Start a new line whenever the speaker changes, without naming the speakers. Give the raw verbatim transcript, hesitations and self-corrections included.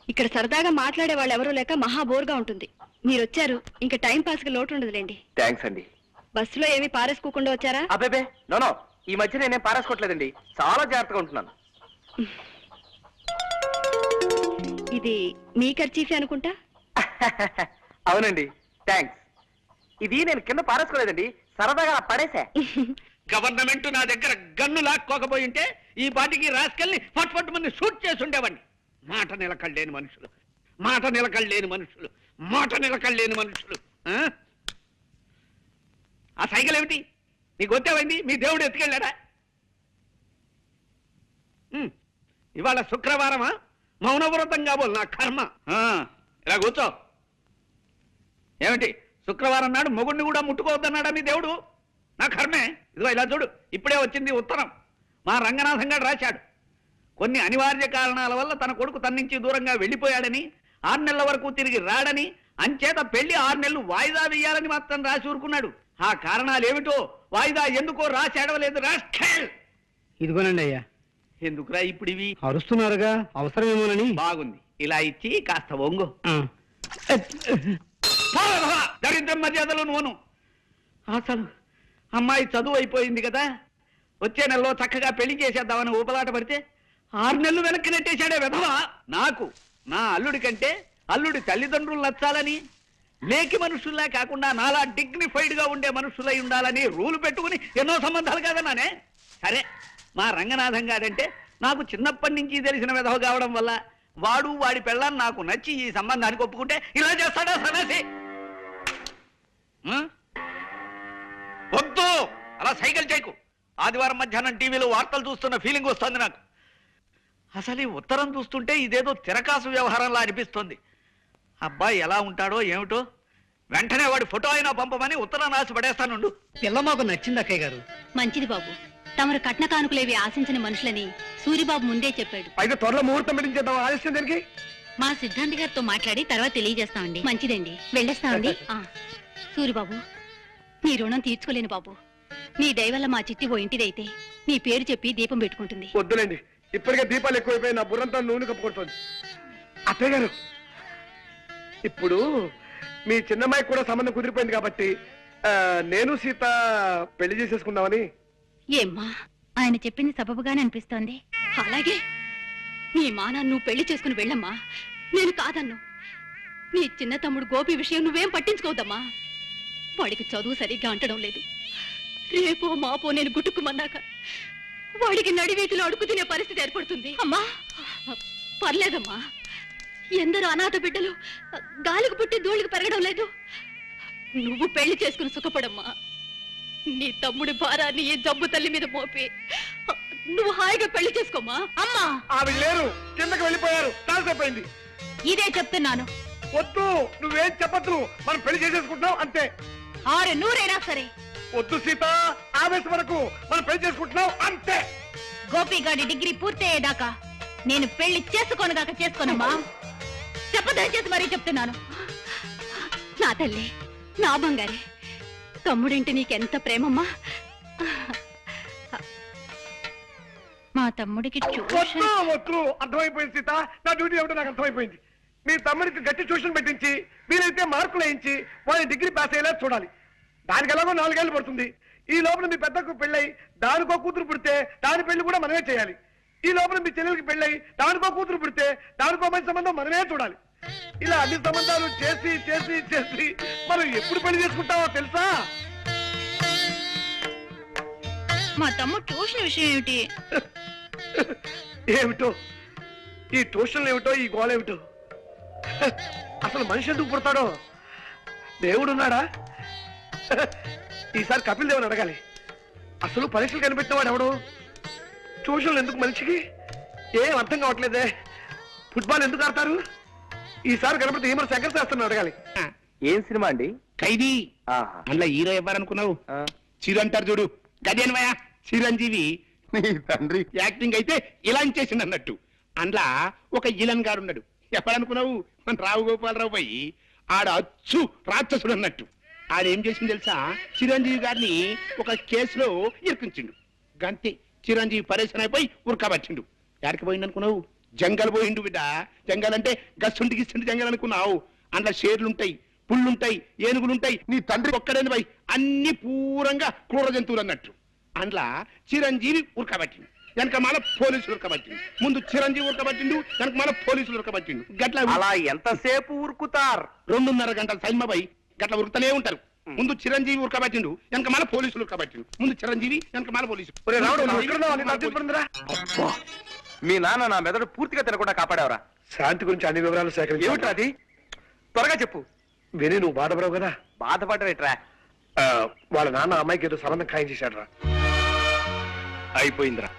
ఇక్కడ సరదాగా మాట్లాడే వాళ్ళు ఎవరూ లేక మహా బోర్గా ఉంటుంది. మీరు వచ్చారు, ఇంకా టైం పాస్ కి లోటు ఉండదులేండి.
థ్యాంక్స్ అండి.
బస్సులో ఏమి పారేసుకోకుండా వచ్చారా?
అబ్బే నోనో, ఈ మధ్య నేనేం పారేసుకోవట్లేదండి, చాలా జాగ్రత్తగా ఉంటున్నాను.
ఇది మీ ఖర్చీఫే అనుకుంటా.
అవునండి, థ్యాంక్స్. ఇది నేను కింద పారేసుకోలేదండి, సరదాగా పడేసా.
గవర్నమెంట్ నా దగ్గర గన్ను లాక్కోకపోయి ఉంటే ఈ పాటికి రాసుకెళ్ళి ఫట్ ఫట్ మంది షూట్ చేసి ఉండేవాడిని. మాట నిలకడలేని మనుషులు, మాట నిలకడలేని మనుషులు, మాట నిలకడలేని మనుషులు. ఆ సైకిల్ ఏమిటి? నీకు వచ్చేవండి, మీ దేవుడు ఎత్తుకెళ్ళాడా? ఇవాళ శుక్రవారమా? మౌనవ్రతం కాబోలు నా కర్మ. ఇలా కూర్చో. ఏమిటి శుక్రవారం నాడు మొగుడిని కూడా ముట్టుకోవద్దన్నాడా మీ దేవుడు? నా కర్మే. ఇదిగో ఇలా చూడు, ఇప్పుడే వచ్చింది ఉత్తరం. మా రంగనాథం గారు రాశాడు. కొన్ని అనివార్య కారణాల వల్ల తన కొడుకు తన నుంచి దూరంగా వెళ్ళిపోయాడని, ఆరు నెలల వరకు తిరిగి రాడని, అంచేత పెళ్లి ఆరు నెలలు వాయిదా వేయాలని మాత్రం రాసి ఊరుకున్నాడు. ఆ కారణాలు ఏమిటో, వాయిదా ఎందుకో రాసి అడవలేదు. రాష్ట్ర
ఇదిగోనండి అయ్యా.
ఎందుకురా ఇప్పుడు ఇవి?
అరుస్తున్నారుగా, అవసరమేమోనని.
బాగుంది, ఇలా ఇచ్చి కాస్త ఒంగు. దరిద్రం మర్యాదలు నువ్వును. అసలు అమ్మాయి చదువు అయిపోయింది కదా, వచ్చే నెలలో చక్కగా పెళ్లి చేసేద్దామని ఊపలాట పడితే ఆరు నెలలు వెనక్కి నెట్టేశాడే వెధవా. నాకు నా అల్లుడి కంటే అల్లుడి తల్లిదండ్రులు నచ్చాలని, లేకి మనుషుల్లా కాకుండా నాలా డిగ్నిఫైడ్ గా ఉండే మనుషులై ఉండాలని రూలు పెట్టుకుని ఎన్నో సంబంధాలు కాదన్నానే. సరే, మా రంగనాథం గారంటే నాకు చిన్నప్పటి నుంచి తెలిసిన వెధవ కావడం వల్ల వాడు వాడి పెళ్ళాన్ని నాకు నచ్చి ఈ సంబంధానికి ఒప్పుకుంటే ఇలా చేస్తాడా సన్నాసి? వద్దు, అలా సైకిల్ చేయకు. ఆదివారం మధ్యాహ్నం టీవీలో వార్తలు చూస్తున్న ఫీలింగ్ వస్తుంది నాకు. అసలు ఈ ఉత్తరం చూస్తుంటే ఇదేదో తిరకాసు వ్యవహారంలా అనిపిస్తుంది. అబ్బాయి ఎలా ఉంటాడో ఏమిటో, వెంటనే వాడి ఫోటో అయినా పంపమని ఉత్తరం రాసి పడేస్తానుండు.
పిల్ల మాకు నచ్చింది అక్కయ్య గారు.
మంచిది బాబు, తమరు కట్న కానుకలేవి ఆశించిన మనుషులని సూరిబాబు ముందే చెప్పాడు.
అయితే త్వరలో ముహూర్తం పెట్టించేద్దాం. ఆలస్యం దానికి
మా సిద్ధాంత్ గారితో మాట్లాడి తర్వాత తెలియజేస్తామండి. మంచిదండి, వెళ్ళేస్తామండి. సూరిబాబు, నీ రుణం తీర్చుకోలేను బాబు. నీ దయవల్ల మా చిట్టి ఓ ఇంటిదైతే నీ పేరు చెప్పి దీపం పెట్టుకుంటుంది.
వద్దులేండి, ఇప్పటికే దీపాలు ఎక్కువైపోయి నా బుర్రంతా నూనె కప్పుకుంటుంది. అత్తయ్య గారు, ఇప్పుడు మీ చిన్నమ్మాయికి కూడా సంబంధం కుదిరిపోయింది కాబట్టి నేను సీత పెళ్లి చేసేసుకుందామని.
ఏమ్మా, ఆయన చెప్పింది సబబుగానే అనిపిస్తోంది. అలాగే నీ మానా నువ్వు పెళ్లి చేసుకుని వెళ్ళమ్మా, నేను కాదన్ను. నీ చిన్న తమ్ముడు గోపి విషయం నువ్వేం పట్టించుకోవద్దమ్మా. వాడికి చదువు సరిగ్గా అంటడం లేదు. రేపో మాపో నేను గుట్టుకుమన్నాక వాడికి నడివీటిలో అడుగు తినే పరిస్థితి ఏర్పడుతుంది. అమ్మా పర్లేదమ్మా, ఎందరో అనాథ బిడ్డలు గాలికి పుట్టి ధూళికి పెరగడం లేదు. నువ్వు పెళ్లి చేసుకుని సుఖపడమ్మా. నీ తమ్ముడి భారాన్ని ఈ జబ్బు తల్లి మీద మోపి నువ్వు హాయిగా పెళ్లి చేసుకోమా. అమ్మా,
ఆవిడ లేరు, కిందకి వెళ్ళిపోయారు, తాసేపోయింది.
ఇదే చెప్తున్నాను.
వద్దు, నువ్వేం చెప్పద్దు, మనం పెళ్లి చేసేసుకుంటున్నాం అంతే.
ఆరు నూరైనా సరే.
వద్దు సీత, ఆవేశం వరకు మనం పెళ్లి చేసుకుంటున్నాం అంతే.
గోపిగాడి డిగ్రీ పూర్తయ్యేదాకా నేను పెళ్లి చేసుకోనుగాక చేసుకోనమ్మా. చెప్పదయచేసి మరీ చెప్తున్నాను. నా తల్లి, నా బంగారే, తమ్ముడింటి నీకెంత ప్రేమమ్మా. మా తమ్ముడికి
వద్దు, అర్థమైపోయింది సీత, నా డ్యూటీ ఏమిటో నాకు అర్థమైపోయింది. మీ తమ్ముడికి గట్టి ట్యూషన్ పెట్టించి వీలైతే మార్కులు వేయించి వాళ్ళ డిగ్రీ పాస్ అయ్యేలా చూడాలి. దానికి ఎలాగో నాలుగేళ్లు పడుతుంది. ఈ లోపల మీ పెద్దకు పెళ్ళై దానికో కూతురు పుడితే దాని పెళ్లి కూడా మనమే చేయాలి. ఈ లోపల మీ చెల్లెలకి పెళ్ళై దానికో కూతురు పుడితే దానికో మంచి సంబంధం మనమే చూడాలి. ఇలా అన్ని సంబంధాలు చేసి చేసి చేసి మనం ఎప్పుడు పెళ్లి చేసుకుంటామో తెలుసా?
మా తమ్ముడు ట్యూషన్ విషయం ఏమిటి?
ఏమిటో ఈ ట్యూషన్లు ఏమిటో, ఈ గోళ ఏమిటో. అసలు మనిషి ఎందుకు పుడతాడో? దేవుడున్నాడా? ఈసారి కపిల్ దేవుని అడగాలి. అసలు పరీక్షలు కనిపెట్టినవాడు ఎవడు? ట్యూషన్లు ఎందుకు మనిషికి? ఏం అర్థం కావట్లేదే. ఫుట్బాల్ ఎందుకు ఆడతారు? ఈసారి కనపడితే ఏమన్నా శంకర్ శాస్త్రం అడగాలి. ఏం సినిమా అండి?
ఖైదీ. అందులో హీరో ఎవరనుకున్నావు? చిరు అంటారు చూడు, గదేన్వయ చిరంజీవి. తండ్రి యాక్టింగ్ అయితే ఇలా చేసింది అన్నట్టు. అందులో ఒక ఇలన్ గారు ఉన్నాడు. ఎప్పుడనుకున్నావు? మన రావు గోపాలరావు పోయి ఆడ అచ్చు రాక్షసుడు అన్నట్టు. ఆడేం చేసింది తెలుసా? చిరంజీవి గారిని ఒక కేసులో ఇరికించిండు. గంతే, చిరంజీవి పరేషన్ అయిపోయి ఉరకబట్టిండు. ఎక్కడికి పోయింది అనుకున్నావు?
జంగల్ పోయిండు బిడ్డ. జంగల్ అంటే గస్సుంటి గిస్సుంటి జంగల్ అనుకున్నావు. అందులో షేర్లుంటాయి, పుళ్ళుంటాయి, ఏనుగులుంటాయి. నీ తండ్రి ఒక్కడేని పోయి అన్ని పూరంగా క్రూర జంతువులు అన్నట్టు. అందులో చిరంజీవి ఉరకబట్టిండు, వెనక మాల పోలీసులు ఉరకబట్టిండు. ముందు చిరంజీవి ఉరకబట్టిండు, వెనక మాల పోలీసులు ఉరకబట్టిండు. గట్ల
అలా ఎంతసేపు ఉరుకుతారు?
రెండున్నర గంటల సైన్మపై గట్ల ఉరుకుతూనే ఉంటారు. ముందు చిరంజీవి ఉరకబట్టిండు, వెనక మాల పోలీసులు ఉరకబట్టిండు. ముందు చిరంజీవి, వెనక మాల పోలీసులు.
ఒరే రావుడు, నువ్వు ఎక్కడున్నావు? నీకు అర్థం పడిందిరా?
అబ్బా, మీ నాన్న నా మెదడు పూర్తిగా తినకుండా కాపాడావరా.
శాంతి గురించి అన్ని వివరాలు సేకరించి
ఏమిట్రా అది? త్వరగా చెప్పు.
విని నువ్వు బాధపడవు కదా.
బాధపడరేట్రా?
ఆ, వాళ్ళ నాన్న అమ్మాయికి ఏదో సంబంధం ఖాయం చేశాడు రా.
అయిపోయిందిరా.